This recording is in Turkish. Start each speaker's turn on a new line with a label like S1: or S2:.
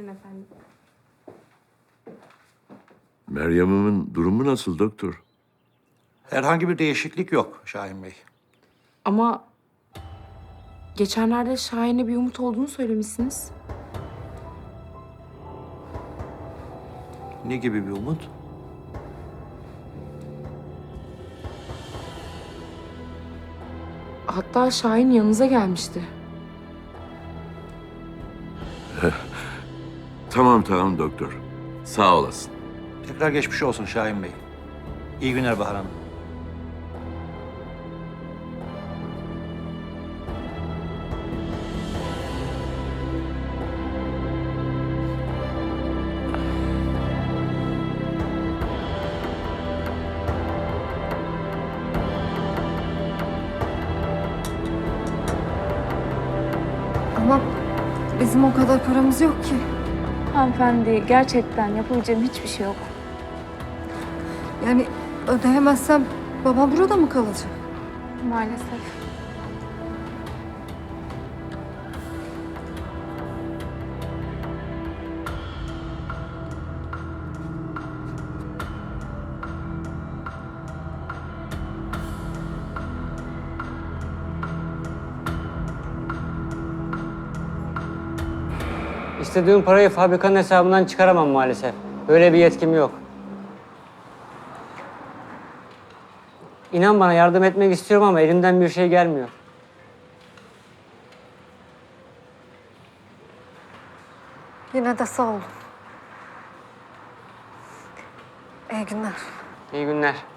S1: Buyurun efendim.
S2: Meryem'imin durumu nasıl doktor?
S3: Herhangi bir değişiklik yok Şahin Bey.
S1: Ama geçenlerde Şahin'e bir umut olduğunu söylemişsiniz.
S3: Ne gibi bir umut?
S1: Hatta Şahin yanınıza gelmişti.
S2: Tamam doktor. Sağ olasın.
S3: Tekrar geçmiş olsun Şahin Bey. İyi günler Bahar Hanım.
S4: Ama bizim o kadar paramız yok ki.
S5: Hanımefendi, gerçekten yapabileceğim hiçbir şey yok.
S4: Yani ödeyemezsem babam burada mı kalacak?
S5: Maalesef.
S6: İstediğim parayı fabrikanın hesabından çıkaramam maalesef. Böyle bir yetkim yok. İnan bana yardım etmek istiyorum ama elimden bir şey gelmiyor.
S4: Yine de sağ olun. İyi günler.
S6: İyi günler.